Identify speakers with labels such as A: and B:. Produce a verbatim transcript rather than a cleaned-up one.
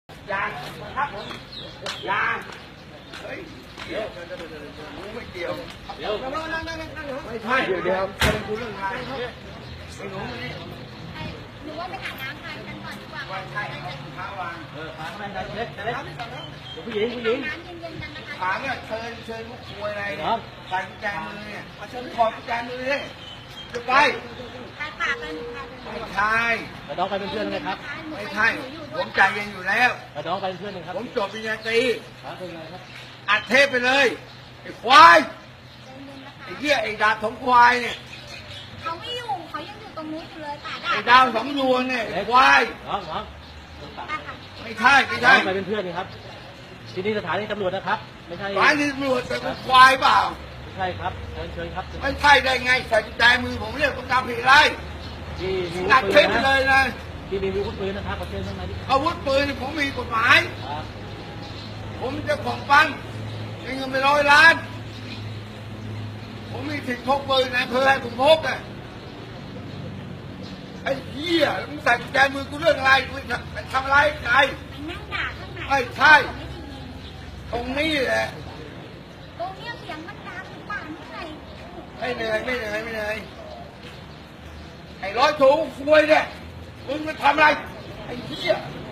A: ยางครับผมยางเฮ้ยเดี๋ยวเดี๋ยวเดี๋ยวเดี๋ยวไม่เกี่ยวเดี๋ยวนั่งนั่งนั่งนั่งไม่ใช่เดี๋ยวเดี๋ยวเป็นคุณเรื่องอะไรไอ้หนูนี่
B: หนูว่าไปหาน้ำทานกันก่อนดีกว่า
A: ว่าใช่เท้าวาง
C: เออพาไปเล็กเล็กผู้หญิงผู้หญิง
B: น้ำเย็นๆกันนะคะ
A: ถามเนี่ยเชิญเชิญลูกคุยอะไรเนี่ยใส่กุญแจมือเนี่ยมาเชิญขอกุญแจมือเลยจะไป
B: ทานปากเลยหนูทานเลย
A: ไม่ใช่
C: กระดองไปเป็นเพื่อนเลยครับ
A: ไม่ใช่ผมใจเย็นอยู่แล้ว
C: กระดองไปเป็นเพื่อนเลยครับ
A: ผมจบปริญญาตรี
C: ครับเป็นไงครับ
A: อัดเทปไปเลยไอ้ควายไอ้เหี้ยไอ้ดาบสองควายเนี่ย
B: เขาไม่อยู่เขายังอยู่ตรงนู้นอยู่เลยป่าดา
A: ไอ้ดาวสองดวงเนี่ยไอ้ควาย
C: น้องน้อง
A: ไม่ใช่ไม่
C: น้อ
A: ใช่
C: งไปเป็นเพื่อนเลยครับที่นี่สถานีตำรวจนะครับไม่ใช่
A: ร้านนี้ตำรวจแต่กูควายเปล่า
C: ไม่ใช่ครับเชิญเชิญครับ
A: ไม่ใช่ได้ไงใส่กุญแจมือผมเรียกคุณตามผิดอะไร
C: ที่มี
A: อัด
C: ปื
A: เทป
C: น
A: ไป
C: นะ
A: เลยนะ
C: ที่มีอาวุธปืนนะครับประเทศข้างในที่
A: อาวุธปืนผมมีกฎหมาย
C: ครับ
A: ผมเจะของปังมีเงินไปร้อยล้าน ผมมีสิทธิ์พกปืนในอำเภอให้ผมพกอ่ะไอ้เหี้ยมึงใส่กุญแจมือกูเรื่องอะไรกูทำอะไรใคร
B: ไปนั่งด่าข้างใน
A: ไม่ใช่
B: เขาไม่ได้ยิน
A: ตรงนี้แหละ
B: ตรงเนี้ยเสียงมันดังป่านที่ไหน
A: ไม่เหนื่อยไม่เหนื่อยไม่เหนื่อยไอ้ร้อยถูกควยเนี่ยมึงมาทำอะไรไอ้เหี้ย
B: ไ